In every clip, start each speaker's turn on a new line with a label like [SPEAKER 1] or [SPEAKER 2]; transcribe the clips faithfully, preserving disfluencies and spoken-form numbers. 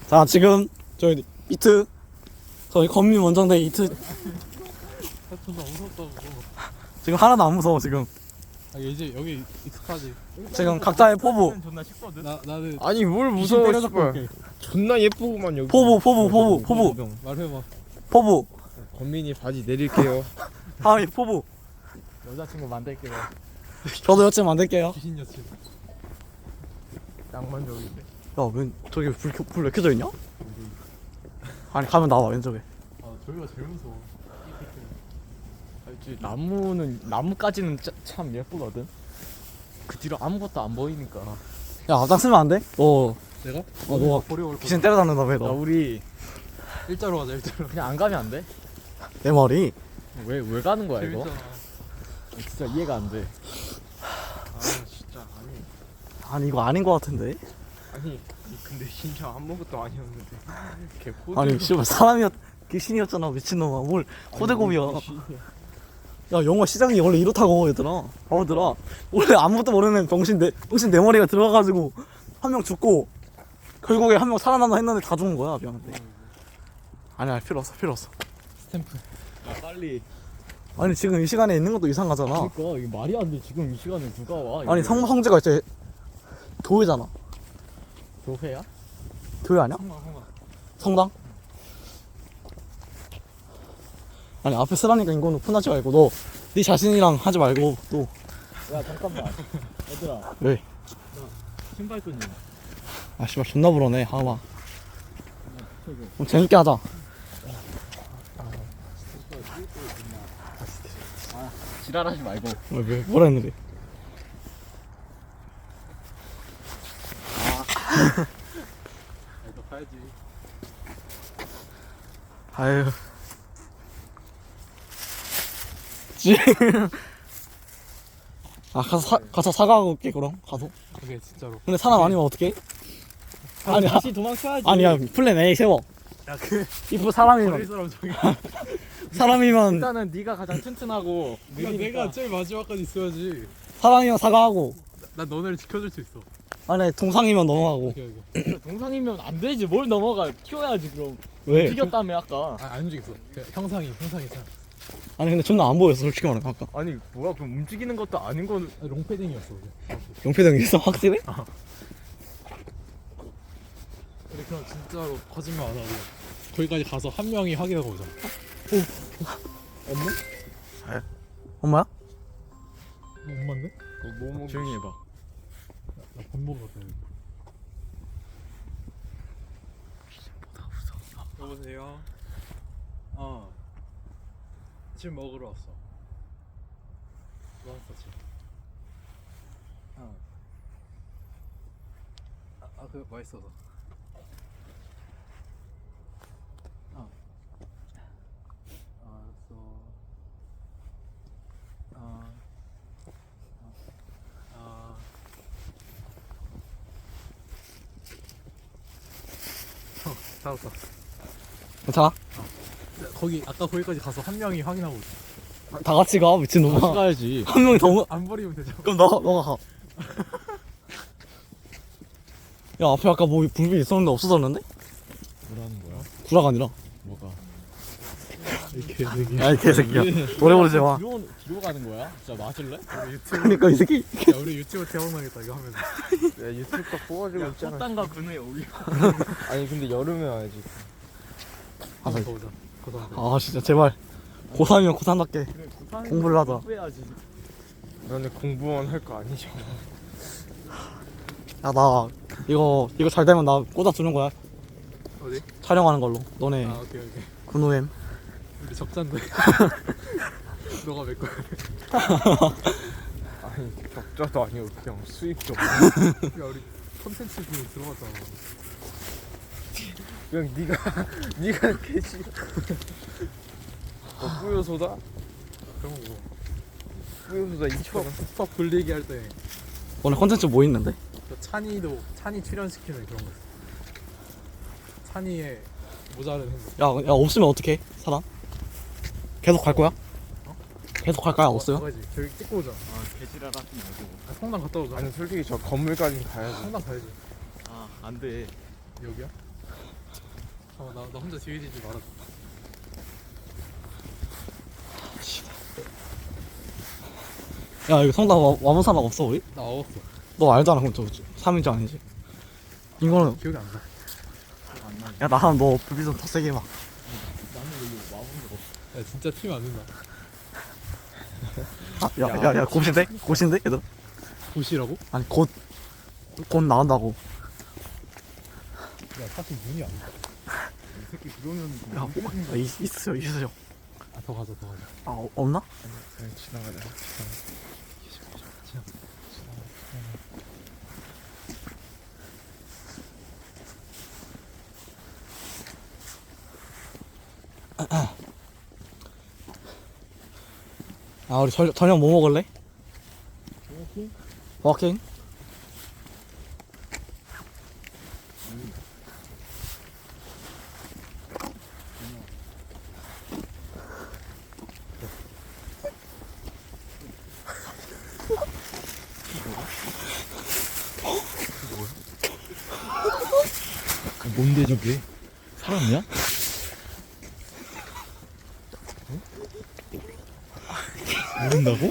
[SPEAKER 1] 자, 지금 저희 이트 저희 건민 원정대 이트
[SPEAKER 2] 존나 무섭다고.
[SPEAKER 1] 지금 하나도 안 무서워. 지금
[SPEAKER 2] 아 이제 여기 익숙하지.
[SPEAKER 1] 지금 각자의 포부
[SPEAKER 2] 존나 쉽거든. 나 나는
[SPEAKER 3] 아니 뭘
[SPEAKER 2] 귀신
[SPEAKER 3] 무서워
[SPEAKER 2] 때려잡고
[SPEAKER 3] 씨발.
[SPEAKER 2] 올게.
[SPEAKER 3] 존나 예쁘구만 여기.
[SPEAKER 1] 포부 포부 포부 포부
[SPEAKER 2] 말해봐.
[SPEAKER 1] 포부
[SPEAKER 3] 건민이 바지 내릴게요.
[SPEAKER 1] 하이 포부.
[SPEAKER 2] 여자친구 만들게요.
[SPEAKER 1] 저도 여친 만들게요.
[SPEAKER 2] 귀신 여친.
[SPEAKER 3] 낭만적인데.
[SPEAKER 1] 야, 웬 저기 불불왜 켜져 있냐? 아니 가면 나와 왼쪽에.
[SPEAKER 2] 아 저기가 제일 무서워.
[SPEAKER 4] 알지, 나무는 나무까지는 짜, 참 예쁘거든. 그 뒤로 아무것도 안 보이니까.
[SPEAKER 1] 야, 앞장서면 안 돼? 너
[SPEAKER 2] 내가?
[SPEAKER 1] 어, 너가
[SPEAKER 2] 버려올
[SPEAKER 1] 귀신 때려잡는다며
[SPEAKER 4] 야,
[SPEAKER 1] 너.
[SPEAKER 4] 우리
[SPEAKER 2] 일자로 가자 일자로.
[SPEAKER 4] 그냥 안 가면 안 돼?
[SPEAKER 1] 내 머리.
[SPEAKER 4] 왜 왜 가는 거야 이거?
[SPEAKER 2] 재밌잖아.
[SPEAKER 4] 진짜 이해가 안 돼.
[SPEAKER 3] 아 진짜 아니
[SPEAKER 1] 아니 이거 아닌 거 같은데.
[SPEAKER 3] 아니 근데 진짜 아무것도 아니었는데. 개 호들.
[SPEAKER 1] 아니 씨발 사람이었 귀신이었잖아 미친놈아. 뭘 호대고비야. 야, 영화 시작이 원래 이렇다고 얘들아. 바보들아. 원래 아무것도 모르는 병신 내 병신 내 머리가 들어가가지고 한 명 죽고 결국에 한 명 살아남나 했는데 다 죽은 거야 미안한데. 아니야 필요 없어 필요 없어.
[SPEAKER 2] 스탬프.
[SPEAKER 4] 야, 빨리.
[SPEAKER 1] 아니 지금 이 시간에 있는 것도 이상하잖아.
[SPEAKER 4] 그러니까 이게 말이 안 돼. 지금 이 시간에 누가 와?
[SPEAKER 1] 아니
[SPEAKER 4] 이거.
[SPEAKER 1] 성 성재가 이제 교회잖아.
[SPEAKER 4] 교회야?
[SPEAKER 1] 교회 아니야?
[SPEAKER 2] 성강 성강.
[SPEAKER 1] 성당? 아니 앞에 쓰라니까 인공은 푼하지 말고 너 네 자신이랑 하지 말고 또.
[SPEAKER 4] 야 잠깐만. 얘들아.
[SPEAKER 1] 왜?
[SPEAKER 4] 신발 끈이.
[SPEAKER 1] 아 씨발 존나 불어네 하마. 그럼 재밌게 하자.
[SPEAKER 4] 지랄하지 말고.
[SPEAKER 1] 왜, 왜 뭐라 했는데?
[SPEAKER 2] 너 가야지.
[SPEAKER 1] 아유. 지. 아 가서 사, 가서 사과하고 올게 그럼 가서.
[SPEAKER 2] 오케이 진짜로.
[SPEAKER 1] 근데 사람 아니면 어떡해? 아니 아,
[SPEAKER 4] 다시 도망쳐야지.
[SPEAKER 1] 아니야 플랜 A 세워.
[SPEAKER 2] 야그
[SPEAKER 1] 이프 사람이면
[SPEAKER 2] 버릴 사람 저기.
[SPEAKER 1] 사람이면
[SPEAKER 4] 일단은 네가 가장 튼튼하고
[SPEAKER 2] 내가
[SPEAKER 4] 느리니까.
[SPEAKER 2] 내가 제일 마지막까지 있어야지.
[SPEAKER 1] 사람이면 사과하고.
[SPEAKER 2] 난 너네를 지켜줄 수 있어.
[SPEAKER 1] 아니 동상이면 넘어가고.
[SPEAKER 2] 오케이 오케이.
[SPEAKER 4] 동상이면 안 되지. 뭘 넘어가. 튀어야지 그럼.
[SPEAKER 1] 왜?
[SPEAKER 4] 튀겼다며 아까.
[SPEAKER 2] 아안 움직였어. 그냥 형상이 형상이 참.
[SPEAKER 1] 아니 근데 존나 안 보였어 솔직히 말하면 아까.
[SPEAKER 4] 아니 뭐야 그럼 움직이는 것도 아닌 거는.
[SPEAKER 2] 아, 롱패딩이었어. 그게.
[SPEAKER 1] 용패등 있어 확실해?
[SPEAKER 2] 근데 그럼 진짜로 거짓말 안 하고 거기까지 가서 한 명이 확인하고 오자.
[SPEAKER 4] 엄마?
[SPEAKER 1] 엄마야?
[SPEAKER 2] 엄마인데?
[SPEAKER 4] 뭐 먹? 조용히 해봐.
[SPEAKER 2] 나밥 먹으러 갔다. 여보세요. 어. 지금 먹으러 왔어. 왔어 지금. 어. 아, 아 그거 맛있어서. 어. 알았어. 아. 아. 어, 다 왔어.
[SPEAKER 1] 괜찮아?
[SPEAKER 2] 거기 아까 거기까지 가서 한 명이 확인하고 오자.
[SPEAKER 1] 다 같이 가 미친놈아.
[SPEAKER 4] 가야지.
[SPEAKER 1] 한 명이 더 무-
[SPEAKER 2] 안 버리면 되죠.
[SPEAKER 1] 그럼 너 너가 가. 야 앞에 아까 뭐 불빛 있었는데 없어졌는데?
[SPEAKER 4] 뭐라는 거야?
[SPEAKER 1] 구라가 아니라.
[SPEAKER 4] 뭐가?
[SPEAKER 2] 이 개새끼.
[SPEAKER 1] 야 이 개새끼야. 노래 부르지 마.
[SPEAKER 4] 뒤로 뒤로 가는 거야? 진짜 맞을래?
[SPEAKER 2] 우리 유튜브,
[SPEAKER 1] 그러니까 이 새끼.
[SPEAKER 2] 야 우리 유튜브 대박나겠다 이거 하면서.
[SPEAKER 3] 야 유튜브 딱 뽑아주고 있잖아.
[SPEAKER 4] 꽃단과 그늘에 올려.
[SPEAKER 3] 아니 근데 여름에 와야지.
[SPEAKER 1] 아,
[SPEAKER 2] 한번 더 보자. 고등학교.
[SPEAKER 1] 아 진짜 제발 고삼이면 고삼답게
[SPEAKER 4] 그래, 구사는
[SPEAKER 1] 공부를 하자.
[SPEAKER 4] 공부해야지.
[SPEAKER 3] 너네 공부원 할 거 아니잖아.
[SPEAKER 1] 야 나 이거 이거 잘 되면 나 꽂아 주는 거야.
[SPEAKER 2] 어디?
[SPEAKER 1] 촬영하는 걸로. 너네
[SPEAKER 2] 아 오케이 오케이.
[SPEAKER 1] 군우엠.
[SPEAKER 2] 우리 적자인데. 너가 몇 거야?
[SPEAKER 3] 아니 적자도 아니고 그냥 수익도.
[SPEAKER 2] 야 우리 콘텐츠 비에 들어갔잖아.
[SPEAKER 3] 그냥 네가 네가 개지. 너 뿌요소다?
[SPEAKER 2] 그런 거.
[SPEAKER 3] 뿌요소다 이천 원.
[SPEAKER 2] 스톱 불리기 할 때.
[SPEAKER 1] 오늘 컨텐츠 뭐 있는데?
[SPEAKER 2] 그 찬이도 찬이 출연시키는 그런 거 있어. 찬이의 모자른 행동.
[SPEAKER 1] 야, 야 없으면 어떡해? 사람? 계속 갈 거야? 계속 갈 거야? 없어요?
[SPEAKER 2] 가야지. 저기 찍고 오자.
[SPEAKER 4] 아 개지랄 하지 말고.
[SPEAKER 2] 아, 성당 갔다 오자.
[SPEAKER 3] 아니 솔직히 저 건물까지 가야지.
[SPEAKER 2] 성당 가야지.
[SPEAKER 4] 아 안 돼.
[SPEAKER 2] 여기야? 어, 나, 나 혼자 뒤에 지지 말아.
[SPEAKER 1] 야 이거 성당 와- 와문사막 없어 우리?
[SPEAKER 2] 나 아웠어.
[SPEAKER 1] 너 알잖아 그럼 저 삼 인조 아니지? 이거는
[SPEAKER 2] 기억이 안 나.
[SPEAKER 1] 야 나랑 너 불빛 좀더 세게 해봐.
[SPEAKER 4] 나는 여기 와본 적 없어.
[SPEAKER 2] 야 진짜 튀면 안 된다.
[SPEAKER 1] 아, 야, 야, 야, 곧인데? 곧인데? 얘들?
[SPEAKER 2] 도시라고?
[SPEAKER 1] 아니, 곧, 곧 나온다고.
[SPEAKER 2] 야 사실 눈이 안 나.
[SPEAKER 3] 이 새끼 그러면
[SPEAKER 1] 야, 아, 있, 있으세요, 있으세요.
[SPEAKER 2] 아더 가자 더 가자.
[SPEAKER 1] 아, 어, 없나?
[SPEAKER 3] 그냥 지나가자.
[SPEAKER 1] 아, 우리 저, 저녁 뭐 먹을래?
[SPEAKER 4] 버거킹?
[SPEAKER 1] 버거킹?
[SPEAKER 4] 뭔데 저게? 사람이야? 모른다고?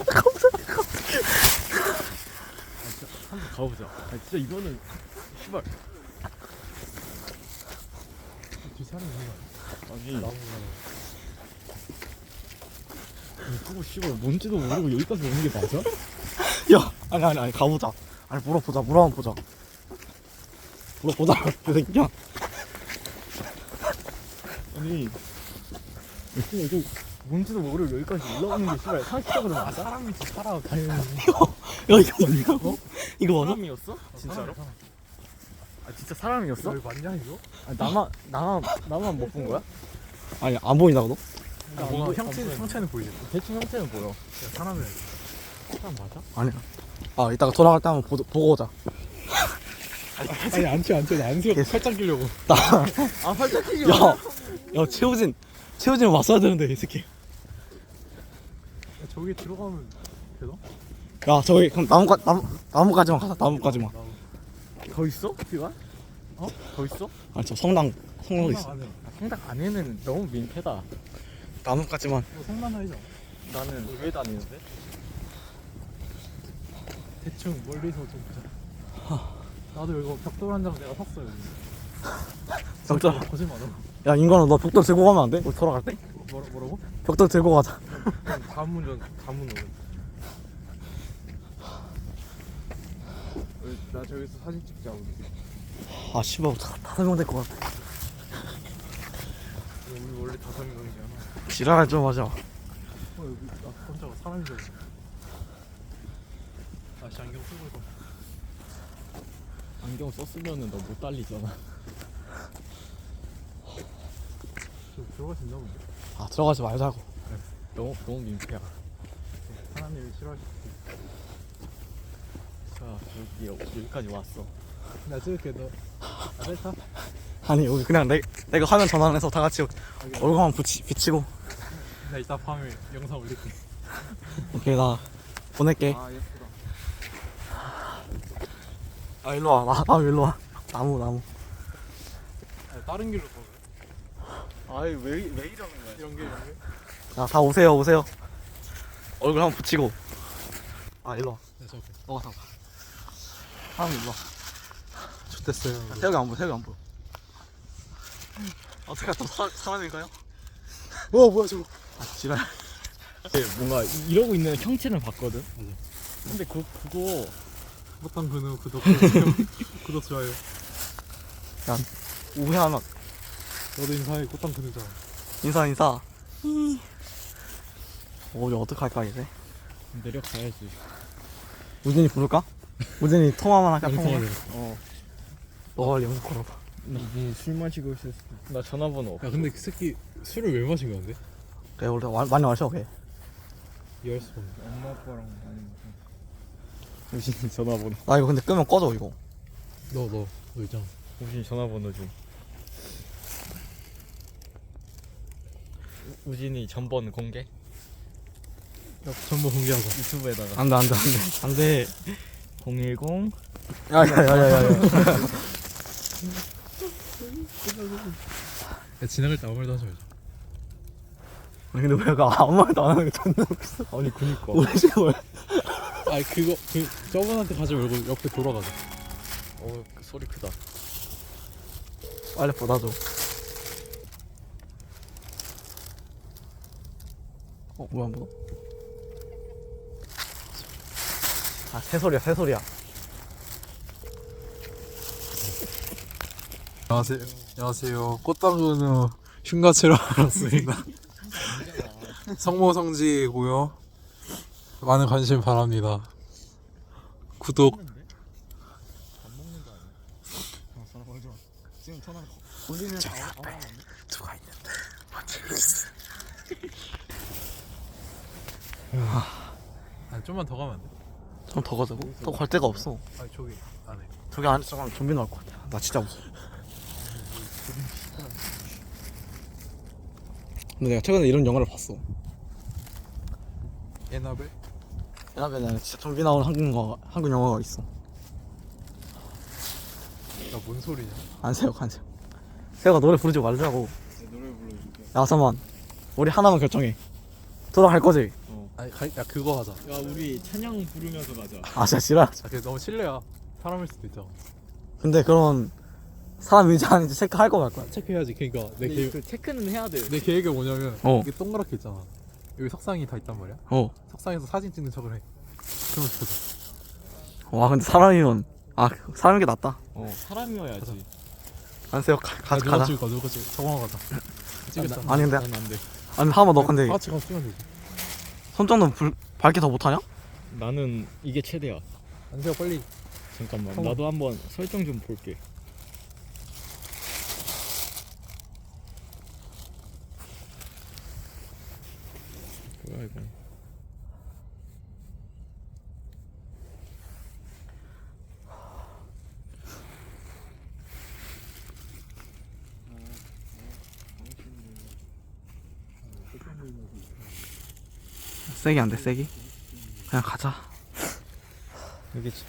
[SPEAKER 4] 한번 가보자. 아 진짜 이거는 씨발.
[SPEAKER 2] 뒤 사람이 있는 거
[SPEAKER 4] 아니
[SPEAKER 2] 아니야? 나무
[SPEAKER 4] 그거 씨발 뭔지도 모르고 여기까지 오는 게 맞아?
[SPEAKER 1] 야, 아니, 아니, 아니, 가보자. 아니, 물어보자, 물어 한번 보자. 물어보자, 그 새끼야.
[SPEAKER 4] 아니 씨발 이거 뭔지도 모르고 여기까지 올라오는 게 씨발 상식적으로
[SPEAKER 2] 아
[SPEAKER 4] 맞아?
[SPEAKER 2] 사람이지 살아 당연히.
[SPEAKER 1] 야, 이거 맞냐? 어? 이거 맞아?
[SPEAKER 4] 사람이었어? 진짜로?
[SPEAKER 2] 사람,
[SPEAKER 4] 아 진짜 사람이었어?
[SPEAKER 2] 사람. 여기 맞냐 이거?
[SPEAKER 4] 아, 나만 나만 나만 못 본 거야?
[SPEAKER 1] 아니, 안 보인다고, 너?
[SPEAKER 2] 야,
[SPEAKER 4] 안
[SPEAKER 2] 뭔가
[SPEAKER 4] 보여,
[SPEAKER 2] 형체
[SPEAKER 4] 안 보여.
[SPEAKER 2] 형체는 보이지. 야
[SPEAKER 4] 대충 형태는 보여.
[SPEAKER 2] 사람이야.
[SPEAKER 4] 사람 맞아?
[SPEAKER 1] 아니야. 아, 이따가 돌아갈 때 한번 보, 보고 오자.
[SPEAKER 2] 아니 안 튀어 안 튀어. 안 튀어. 팔짱 끼려고.
[SPEAKER 1] 나,
[SPEAKER 4] 아 활짝 끼지
[SPEAKER 1] 야, 야, 최우진, 최우진 왔어야 되는데, 이 새끼.
[SPEAKER 2] 야, 저기 들어가면 되나?
[SPEAKER 1] 야, 저기, 그럼 나무까, 나무, 나무까지만 가자, 나무까지만.
[SPEAKER 4] 더 있어? 시간? 어? 더 있어?
[SPEAKER 1] 아니, 저 성당, 성당 있어.
[SPEAKER 2] 안에.
[SPEAKER 4] 아, 성당 안에는 너무 민폐다.
[SPEAKER 1] 나무까지만.
[SPEAKER 2] 뭐 성난 사이잖아.
[SPEAKER 4] 나는 왜 다니는데?
[SPEAKER 2] 대충 멀리서 좀 보자. 나도 이거 벽돌 한 장 내가 샀어 여기.
[SPEAKER 1] 진짜.
[SPEAKER 2] 거짓말 안 하고.
[SPEAKER 1] 야, 인간아, 너 벽돌 들고 가면 안 돼? 우리 돌아갈 때?
[SPEAKER 2] 뭐라 뭐라고?
[SPEAKER 1] 벽돌 들고 가자.
[SPEAKER 2] 다문전 다문으로.
[SPEAKER 3] 나 저기서 사진 찍자 우리.
[SPEAKER 1] 아, 씨발, 다, 다섯 명 될 것 같아.
[SPEAKER 3] 우리 원래 다섯 명이잖아.
[SPEAKER 1] 지랄할 좀 하자.
[SPEAKER 2] 어 여기 나 혼자가 사람인 줄 알았어. 다시 안경 쓰고 있어.
[SPEAKER 4] 안경 썼으면은 너 못 달리잖아.
[SPEAKER 2] 저 들어갈 수 있나 본데?
[SPEAKER 1] 아, 들어가지 말자고.
[SPEAKER 4] 너무 너무 민폐야.
[SPEAKER 2] 하나님이 싫어하실 수 있어.
[SPEAKER 4] 자 여기 여기까지 왔어.
[SPEAKER 2] 나 찍을게 너. 아 셀카?
[SPEAKER 1] 아니, 우리 그냥 내, 내가 화면 전환해서 다 같이 얼굴만 붙이, 비치고.
[SPEAKER 2] 나 이따 밤에 영상 올릴게.
[SPEAKER 1] 오케이, 나 보낼게.
[SPEAKER 3] 아 예쁘다.
[SPEAKER 1] 아, 일로 와. 나, 나 일로 와. 나무, 나무.
[SPEAKER 2] 아니, 다른 길로 가.
[SPEAKER 4] 아이 왜왜 이러는 거야?
[SPEAKER 2] 이런 게 이런 게.
[SPEAKER 1] 자, 다 오세요, 오세요. 얼굴 한번 붙이고. 아, 일로 와.
[SPEAKER 2] 네 저기.
[SPEAKER 1] 너가 다. 사람 일로 와.
[SPEAKER 2] 좋댔어요.
[SPEAKER 1] 아, 태혁이 안 보여, 태혁이 안 보여. 어떻게 또 사, 사람인가요?
[SPEAKER 2] 어 뭐야 저거?
[SPEAKER 1] 아, 지랄.
[SPEAKER 4] 뭔가 이러고 있는 형체는 봤거든.
[SPEAKER 2] 맞아.
[SPEAKER 4] 근데 그 그거
[SPEAKER 2] 못한 근우 구독 좋아요. 구독 좋아요.
[SPEAKER 1] 오해하나.
[SPEAKER 2] 너도 인사해 꽃당 근우잖아.
[SPEAKER 1] 인사, 인사. 어, 우리 어떡할까, 이제?
[SPEAKER 4] 내려가야지.
[SPEAKER 1] 우진이 부를까? 우진이 통화만 할까? 통화.
[SPEAKER 2] 영상을.
[SPEAKER 4] 어.
[SPEAKER 1] 너 영상 걸어봐.
[SPEAKER 3] 이분이 술 마시고 있을 수도.
[SPEAKER 4] 나 전화번호 없어.
[SPEAKER 2] 야 근데 그 새끼 술을 왜 마신 거야 근데?
[SPEAKER 1] 그래, 원래 와- 많이 마셔, 걔.
[SPEAKER 2] 이해할 수가 없네.
[SPEAKER 3] 엄마 아빠랑 아니면
[SPEAKER 4] 우진이 전화번호.
[SPEAKER 1] 나 이거 근데 끄면 꺼져, 이거.
[SPEAKER 2] 너 너 너 있잖아.
[SPEAKER 4] 우진이 전화번호 좀. 우- 우진이 전번 공개?
[SPEAKER 2] 야 전부 공개하자.
[SPEAKER 4] 유튜브에다가
[SPEAKER 1] 안 돼, 안 돼, 안 돼. 안 돼.
[SPEAKER 4] 공일공
[SPEAKER 1] 야, 야, 야, 야, 야. 야.
[SPEAKER 2] 야, 지나갈 때 아무 말도 하지 말자.
[SPEAKER 1] 아니 근데 왜 내가 아무 말도 안 하는 게 존나 웃겨.
[SPEAKER 4] 아니 그니까.
[SPEAKER 1] 우리 지금 왜
[SPEAKER 2] 아니 그거 그 저분한테 가지 말고 옆에 돌아가자.
[SPEAKER 4] 어 그 소리 크다.
[SPEAKER 1] 빨리 받아줘. 어 뭐야 뭐? 아 새소리야 새소리야.
[SPEAKER 2] 안녕하세요. 안녕하세요. 꽃당근은 흉가체로 알았습니다. 성모성지고요. 많은 관심 바랍니다. 구독.
[SPEAKER 1] 지금 전화 우리는 저 앞에
[SPEAKER 2] 누가 있는데? 아 좀만 더 가면 안 돼?
[SPEAKER 1] 좀 더 가자고? 더 갈 데가 없어.
[SPEAKER 2] 아니 저기 안에.
[SPEAKER 1] 저기 안에 잠깐 좀비 나올 것 같아. 나 진짜 무서워. 근데 내가 최근에 이런 영화를 봤어.
[SPEAKER 2] 에나벨?
[SPEAKER 1] 옛날에 진짜 좀비 나오는 한국 영화, 한국 영화가 있어.
[SPEAKER 2] 야뭔 소리냐?
[SPEAKER 1] 안세요, 안세요. 세호가 노래 부르지 말자고.
[SPEAKER 3] 노래 불러줄게.
[SPEAKER 1] 야 잠깐만. 우리 하나만 결정해. 돌아갈 거지?
[SPEAKER 2] 아니 가, 야 그거 하자.
[SPEAKER 4] 야 우리 찬양 부르면서 가자.
[SPEAKER 1] 아 진짜 싫어.
[SPEAKER 2] 아 그게 너무 실례야. 사람일 수도 있잖아.
[SPEAKER 1] 근데 그런 사람인지 아닌지 체크할 거 갈 거야.
[SPEAKER 2] 체크해야지. 그러니까 내
[SPEAKER 4] 근데
[SPEAKER 2] 계획
[SPEAKER 4] 그 체크는 해야 돼.
[SPEAKER 2] 내 계획이 뭐냐면
[SPEAKER 1] 어.
[SPEAKER 2] 이게 동그랗게 있잖아. 여기 석상이 다 있단 말이야.
[SPEAKER 1] 어.
[SPEAKER 2] 석상에서 사진 찍는 척을 해. 그러면 좋거든.
[SPEAKER 1] 와 근데 사람이면 아 사람인 게 낫다.
[SPEAKER 4] 어 사람이어야지.
[SPEAKER 1] 안세요. 가, 가,
[SPEAKER 2] 아, 누가
[SPEAKER 1] 가자.
[SPEAKER 2] 찍을까? 누가 찍을? 정황 가자. 찍겠다.
[SPEAKER 1] 아니 근데
[SPEAKER 4] 난 안 돼.
[SPEAKER 1] 아니 하마 너 근데
[SPEAKER 2] 다 같이 가서 찍으면 되지.
[SPEAKER 1] 손정도 불 밝게 더 못하냐?
[SPEAKER 4] 나는 이게 최대야.
[SPEAKER 2] 안세요 빨리.
[SPEAKER 4] 잠깐만
[SPEAKER 2] 어.
[SPEAKER 4] 나도 한번 설정 좀 볼게. 뭐야 이거?
[SPEAKER 1] 세게 안 돼, 세게. 그냥 가자.
[SPEAKER 4] 이게 지-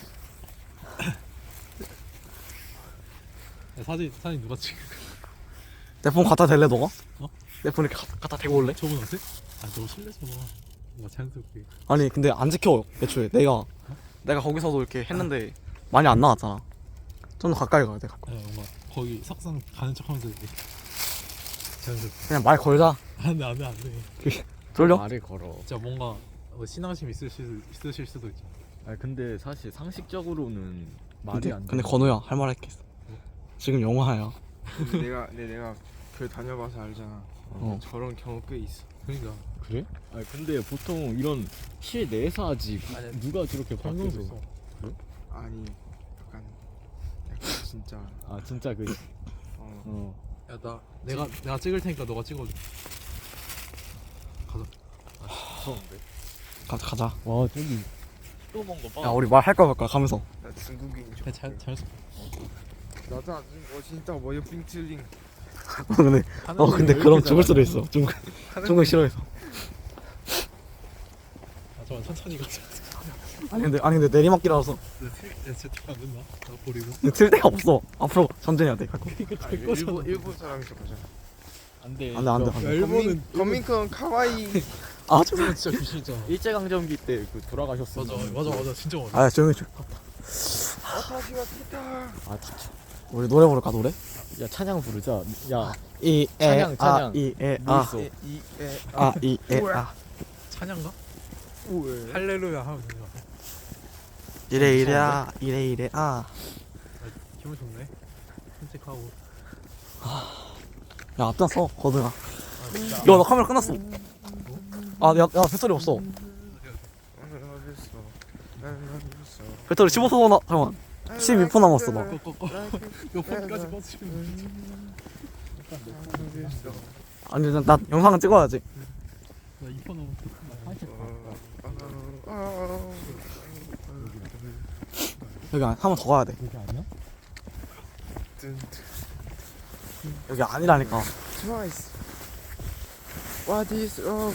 [SPEAKER 2] 야, 사진 사진 누가 찍을?
[SPEAKER 1] 내 폰 갖다 댈래 너가?
[SPEAKER 2] 어?
[SPEAKER 1] 내 폰 이렇게 가, 갖다 대고 올래?
[SPEAKER 2] 저분 어때? 아 너무 실례잖아. 뭔가 자연스럽게.
[SPEAKER 1] 아니 근데 안 지켜 애초에 내가 내가 거기서도 이렇게 했는데 많이 안 나왔잖아. 좀 더 가까이 가야 돼. 가까이.
[SPEAKER 2] 아 뭔가 거기 석상 가는 척하면서 이렇게 자연스럽게.
[SPEAKER 1] 그냥 말 걸자.
[SPEAKER 2] 안돼 안돼 안돼.
[SPEAKER 1] 졸려?
[SPEAKER 4] 말을 걸어.
[SPEAKER 2] 진짜 뭔가 뭐 신앙심 있으실 있으실 수도 있죠.
[SPEAKER 4] 아 근데 사실 상식적으로는 말이
[SPEAKER 1] 근데,
[SPEAKER 4] 안 돼.
[SPEAKER 1] 근데 건우야 할 말 할게 있어. 지금 영화야.
[SPEAKER 3] 근데 내가 근데 내가 그 다녀봐서 알잖아.
[SPEAKER 1] 어.
[SPEAKER 3] 저런 경우 꽤 있어.
[SPEAKER 2] 그러니까
[SPEAKER 4] 그래? 아 근데 보통 이런 실내에서 하지
[SPEAKER 2] 아니야.
[SPEAKER 4] 누가 저렇게
[SPEAKER 2] 설명서
[SPEAKER 4] 밖에서?
[SPEAKER 2] 있어.
[SPEAKER 3] 아니 약간 약간 진짜
[SPEAKER 4] 아 진짜 그
[SPEAKER 3] 어.
[SPEAKER 4] 어.
[SPEAKER 2] 야 나 내가 내가 찍을 테니까 너가 찍어줘. 가자.
[SPEAKER 4] 무서운데.
[SPEAKER 1] 가자 가자.
[SPEAKER 4] 와 저기 또 뭔가 봐.
[SPEAKER 1] 야 우리 말 할 거야 말까 가면서.
[SPEAKER 3] 나 중국인 줄.
[SPEAKER 2] 야, 잘 잘.
[SPEAKER 3] 나도 안 중. 어 진짜 뭐야 빙틀링.
[SPEAKER 1] 어 근데 어 근데 그럼 죽을 수도 있어. 중국 중국 싫어해서.
[SPEAKER 2] 아 잠깐 천천히 가자.
[SPEAKER 1] 아니 근데 아니 근데 내리막길이라서
[SPEAKER 2] 야 진짜 안 된다. 나 버리고.
[SPEAKER 1] 틀 데가 없어. 앞으로 천천히 해야 돼. 갈 거.
[SPEAKER 2] 이거
[SPEAKER 3] 아,
[SPEAKER 2] 될
[SPEAKER 3] 일본
[SPEAKER 2] 거잖아.
[SPEAKER 3] 일본 사람이죠 보잖아.
[SPEAKER 4] 안돼.
[SPEAKER 1] 안돼 안돼
[SPEAKER 2] 야
[SPEAKER 1] 안돼.
[SPEAKER 2] 일본은
[SPEAKER 3] 거민콘 카와이.
[SPEAKER 1] 아 좀.
[SPEAKER 2] 일본 진짜 귀신이잖아.
[SPEAKER 4] 일제 강점기 때 그 돌아가셨어.
[SPEAKER 2] 맞아 맞아 맞아 진짜 맞아.
[SPEAKER 1] 아 조용히 좀.
[SPEAKER 3] 아타시와 키타.
[SPEAKER 4] 아 진짜.
[SPEAKER 1] 우리 노래 부를까 노래?
[SPEAKER 4] 야 찬양 부르자. 야
[SPEAKER 1] 이에
[SPEAKER 4] 찬양, 찬양.
[SPEAKER 1] 아이에
[SPEAKER 4] 뭐
[SPEAKER 1] 아.
[SPEAKER 4] 있어?
[SPEAKER 3] 이에
[SPEAKER 1] 아 이에 아.
[SPEAKER 2] 찬양가?
[SPEAKER 3] 우에.
[SPEAKER 2] 할렐루야 하면 되는 거야.
[SPEAKER 1] 이래 이래야 이래 이래 아.
[SPEAKER 2] 기분 좋네. 산책하고.
[SPEAKER 1] 야 앞장서 거드가.
[SPEAKER 2] 아 진짜.
[SPEAKER 1] 야나 카메라 끝났어. 아야야 배터리 없어. 배터리 십오 퍼센트 나 잠깐만. 십이 퍼센트 남았어 나.
[SPEAKER 2] 꺼꺼꺼. 이거 폰까지 꺼주시면.
[SPEAKER 1] 아니 나, 나 영상은 찍어야지.
[SPEAKER 2] 나 이퍼 넘어.
[SPEAKER 1] 여기 한 번 더 가야 돼.
[SPEAKER 4] 그게 아니야?
[SPEAKER 1] 여기 아니라니까.
[SPEAKER 3] 트와이스. What is love?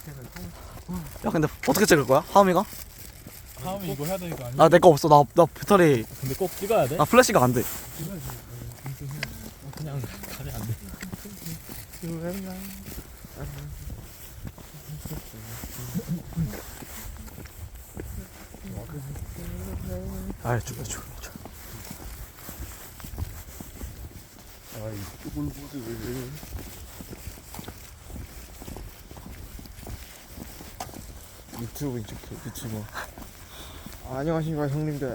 [SPEAKER 3] 밑에는 통.
[SPEAKER 1] 야 근데 어떻게 찍을 거야? 하음이가?
[SPEAKER 2] 다음에 이거 해야 되는 거 아니야?
[SPEAKER 1] 아 내 거 없어. 나 나 배터리
[SPEAKER 4] 근데 꼭 찍어야 돼?
[SPEAKER 1] 나 플래시가 안 돼.
[SPEAKER 2] 찍어야지.
[SPEAKER 4] 그냥 가면 안 돼.
[SPEAKER 1] 아이 죽여 죽여. 죽여.
[SPEAKER 3] 아이 쭈글구글.
[SPEAKER 4] 유튜브 유튜브 유튜버.
[SPEAKER 3] 아, 안녕하십니까 형님들.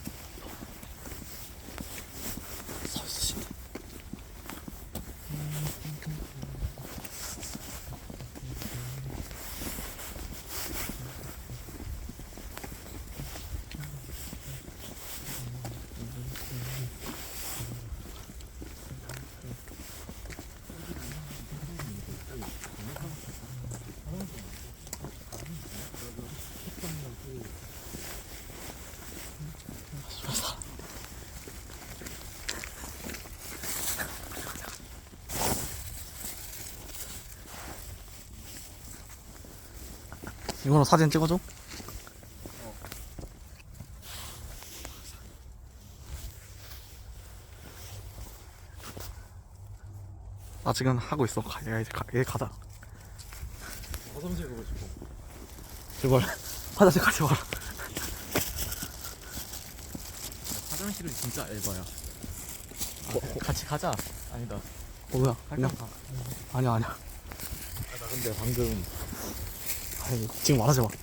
[SPEAKER 1] 서 있으신데. 이거로 사진 찍어줘. 나 지금 하고 있어. 가, 야, 이제 가, 얘 가자.
[SPEAKER 2] 화장실 가고 싶어.
[SPEAKER 1] 제발 화장실 가지 마라.
[SPEAKER 4] 화장실은 진짜 에바야. 뭐, 같이 가자. 아니다.
[SPEAKER 1] 어 뭐야? 그냥
[SPEAKER 4] 잠깐 가.
[SPEAKER 1] 아니야 아니야.
[SPEAKER 4] 아, 나 근데 방금
[SPEAKER 1] 아니, 지금 말하지 마.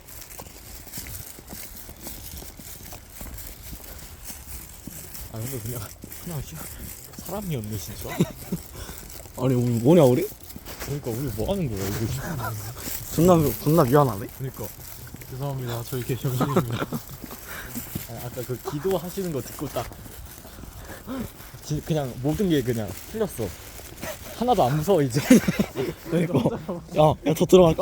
[SPEAKER 4] 아 근데 그냥 그냥 씨, 사람이었네 진짜.
[SPEAKER 1] 아니 우리 뭐냐 우리?
[SPEAKER 4] 그러니까 우리 뭐 하는 거야 이거.
[SPEAKER 1] 존나 존나 미안하네.
[SPEAKER 4] 그러니까
[SPEAKER 2] 죄송합니다. 저희 개정신입니다.
[SPEAKER 4] 아, 아까 그 기도하시는 거 듣고 딱 지- 그냥 모든 게 그냥 틀렸어. 하나도 안 무서워 이제.
[SPEAKER 1] 그러니까 야야 더 들어갈까?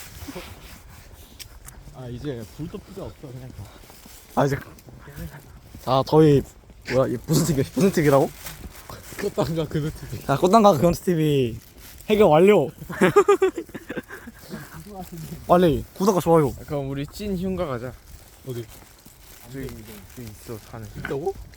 [SPEAKER 4] 아 이제 불도 필요 없어 그냥 가.
[SPEAKER 1] 아 이제 자 저희 뭐야 이 무슨 TV 무슨 TV라고?
[SPEAKER 4] 그것단가 그거 TV.
[SPEAKER 1] 자 꽃단가 그건스 티비 해결 완료. 빨리 구독과 좋아요.
[SPEAKER 3] 그럼 우리 찐 흉가 가자.
[SPEAKER 2] 어디?
[SPEAKER 3] 저기 저기 있어 산에.
[SPEAKER 4] 있다고?